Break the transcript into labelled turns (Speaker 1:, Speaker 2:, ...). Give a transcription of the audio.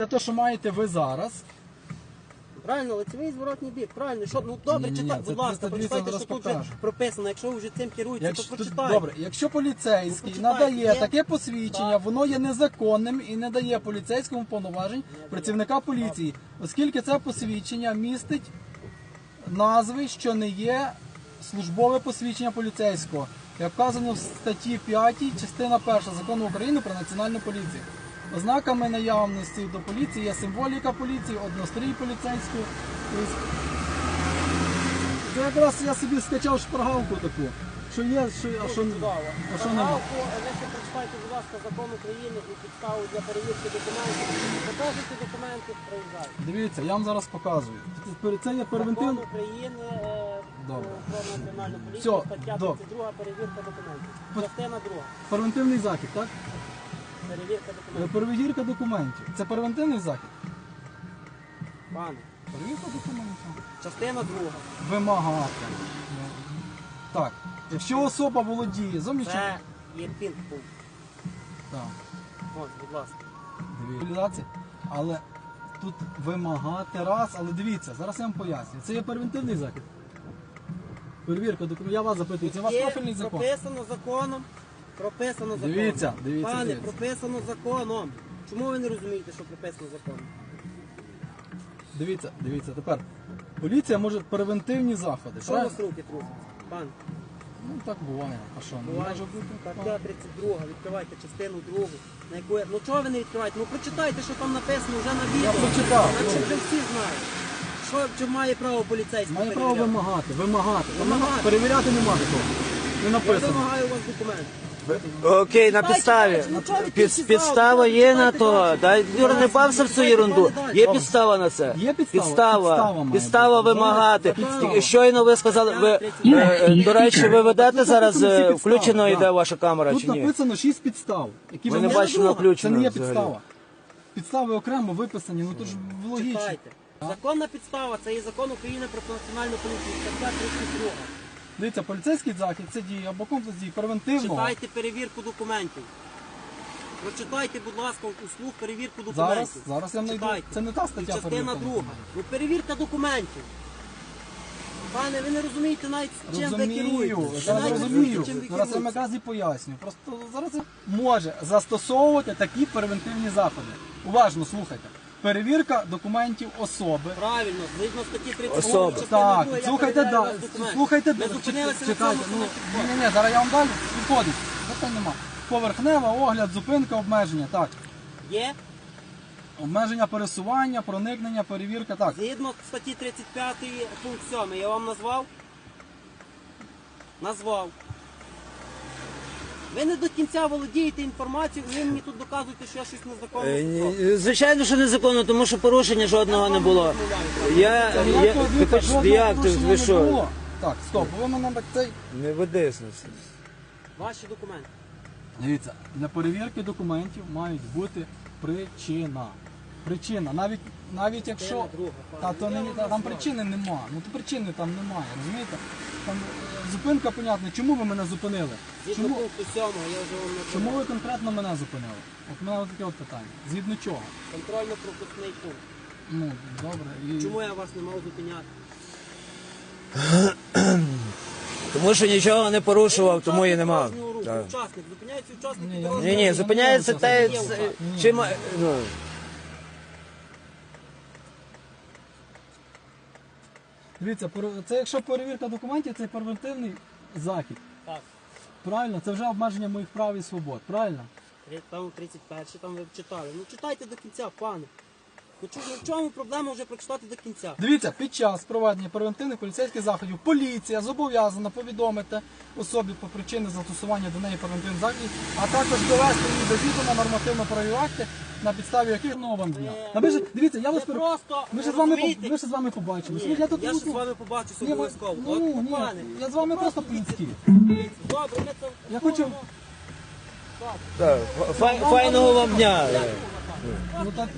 Speaker 1: Це те, що маєте ви зараз.
Speaker 2: Правильно, лицевий зворотній бік, правильно. Що, ну добре, читайте, будь ласка, прочитайте, що тут вже прописано. Якщо ви вже цим керуєтеся, то прочитайте.
Speaker 1: Добре, якщо поліцейський надає таке посвідчення, воно є незаконним і не дає поліцейському повноважень працівника поліції, оскільки це посвідчення містить назви, що не є службове посвідчення поліцейського, як вказано в статті 5, частина 1 Закону України про національну поліцію. Ознаками наявності до поліції є символіка поліції, однострій поліцейський. Це якраз я собі скачав шпаргалку таку, що є, а що немає.
Speaker 2: Ви ще прочитайте, будь ласка, Закон України і підставу для перевірки документів. Покажете документи, проїжджайте.
Speaker 1: Дивіться, я вам зараз показую. Це є первинтивний...
Speaker 2: Закон України про національну поліцію,
Speaker 1: Все,
Speaker 2: стаття 32, перевірка документів. Частина 2.
Speaker 1: Первинтивний захід, так?
Speaker 2: Перевірка документів.
Speaker 1: Перевірка документів. Це первинтивний захід?
Speaker 2: Пане,
Speaker 1: Перевірка документів.
Speaker 2: частина 2.
Speaker 1: Вимагати. Так. Якщо особа володіє зовнішнім...
Speaker 2: Це є пінг-пункт.
Speaker 1: Так.
Speaker 2: Ось, будь ласка.
Speaker 1: Дивіться. Але тут вимагати раз, але дивіться, зараз я вам поясню. Це є первинтивний захід. Перевірка документів. Я вас запитую, це ваш профільний закон?
Speaker 2: Прописано законом. Прописано законом.
Speaker 1: Дивіться.
Speaker 2: Пане, прописано законом. Чому ви не розумієте, що прописано законом?
Speaker 1: Дивіться, тепер. Поліція може превентивні заходи.
Speaker 2: Що у вас руки трусять? Пан,
Speaker 1: Ну так буває. А що? Не
Speaker 2: буває.
Speaker 1: може бути?
Speaker 2: Стаття 32, відкривайте частину 2. На яку... Ну чого ви не відкриваєте? Ну прочитайте, що там написано вже на відео.
Speaker 1: Я прочитав.
Speaker 2: Наче вже всі знають. Що має право поліцейський
Speaker 1: Має право
Speaker 2: перевіряти?
Speaker 1: вимагати.
Speaker 2: Вимагати.
Speaker 1: Перевіряти немає такого. Не
Speaker 2: Я
Speaker 1: написано.
Speaker 2: вимагаю у вас документ.
Speaker 3: Окей, на підставі. Підстава є на то. Дай, Юра, не бався в цю ерунду. Є підстава на це.
Speaker 1: Є підстава?
Speaker 3: Підстава вимагати.
Speaker 1: Підстава.
Speaker 3: Щойно ви сказали, до речі, ви ведете зараз, включено йде ваша камера
Speaker 1: Тут
Speaker 3: чи ні?
Speaker 1: написано 6 підстав. Які
Speaker 3: Ми
Speaker 1: ви
Speaker 3: не
Speaker 1: можете-
Speaker 3: бачимо на включено
Speaker 1: Це не є
Speaker 3: взагалі.
Speaker 1: підстава. Підстави окремо виписані, ну то ж логічно.
Speaker 2: Читайте. Законна підстава, це є закон України про національну поліцію, стаття 32.
Speaker 1: Дивіться, поліцейський захід це дії або комплекс дій превентивного.
Speaker 2: Читайте перевірку документів. Прочитайте, будь ласка, услуг перевірку документів.
Speaker 1: Зараз я знайду.
Speaker 2: Читайте.
Speaker 1: Це не та
Speaker 2: І
Speaker 1: стаття
Speaker 2: частина
Speaker 1: перевірка.
Speaker 2: 2. Ну, перевірка документів. Пане, ви не розумієте навіть чим ви
Speaker 1: Розумію,
Speaker 2: керуєтесь.
Speaker 1: зараз
Speaker 2: Ви навіть не
Speaker 1: розумію.
Speaker 2: розумієте, чим ви
Speaker 1: Зараз я
Speaker 2: керуєтесь.
Speaker 1: якраз і поясню. Просто зараз я може застосовувати такі превентивні заходи. Уважно слухайте. Перевірка документів особи.
Speaker 2: Правильно, згідно статті 32.
Speaker 3: Особи.
Speaker 2: частини
Speaker 1: Так,
Speaker 2: 2, я
Speaker 1: слухайте,
Speaker 2: перевіряю
Speaker 1: да,
Speaker 2: вас документи.
Speaker 1: слухайте,
Speaker 2: Ми зупинилися на
Speaker 1: чекайте,
Speaker 2: цьому.
Speaker 1: ні, зараз я вам далі підходить. Питань нема. Поверхнева, огляд, зупинка, обмеження, так.
Speaker 2: Є?
Speaker 1: Обмеження пересування, проникнення, перевірка, так.
Speaker 2: Згідно статті 35 пункт 7. Я вам назвав? Назвав. Ви не до кінця володієте інформацією, ви мені тут доказуєте, що я щось незаконно зроблю.
Speaker 3: Звичайно, що незаконно, тому що порушення жодного не було. Ви що?
Speaker 1: Так, стоп, ви мене так цей...
Speaker 3: Не ведись на це.
Speaker 2: Ваші документи.
Speaker 1: Дивіться, для перевірки документів мають бути причина. Причина, навіть якщо... Там причини нема, ну то причини там немає, розумієте? Там зупинка, понятно, чому ви мене зупинили?
Speaker 2: Згідно пункту 7, я вже вам
Speaker 1: Чому
Speaker 2: назвав.
Speaker 1: ви конкретно мене зупинили? От мене таке от питання. Згідно чого?
Speaker 2: Контрольно-пропускний пункт.
Speaker 1: Ну, добре. І...
Speaker 2: Чому я вас не мав зупиняти?
Speaker 3: Тому що нічого не порушував, тому і нема. Так.
Speaker 2: Учасник, зупиняється учасник.
Speaker 1: Ні,
Speaker 2: і
Speaker 1: я
Speaker 2: дорожній
Speaker 1: не-
Speaker 3: Ні, зупиняється те, чим... Ну,
Speaker 1: Дивіться, це якщо перевірка документів, це превентивний захід.
Speaker 2: Так.
Speaker 1: Правильно? Це вже обмеження моїх прав і свобод, правильно?
Speaker 2: Там 31, там ви читали. Ну читайте до кінця, пане. Ну в чому проблема вже прочитати до кінця?
Speaker 1: Дивіться, під час проведення превентивних поліцейських заходів поліція зобов'язана повідомити особі по причини застосування до неї превентивних заходів, а також довести її до відома нормативно-правові акти, на підставі яких вам дня. Дивіться, я вас
Speaker 2: просто
Speaker 1: ми
Speaker 2: розумієте?
Speaker 1: ще з вами побачимося.
Speaker 2: Ні,
Speaker 1: Я тут
Speaker 2: я
Speaker 1: ну,
Speaker 2: ще з вами побачуся
Speaker 1: ні,
Speaker 2: обов'язково.
Speaker 1: ну,
Speaker 2: От,
Speaker 1: ні,
Speaker 2: пане,
Speaker 1: я з вами просто
Speaker 2: дивіться,
Speaker 1: по-людськи.
Speaker 2: дивіться. Добре, ми це...
Speaker 1: Я хочу...
Speaker 3: так, файного вам дня.
Speaker 1: Ну, так...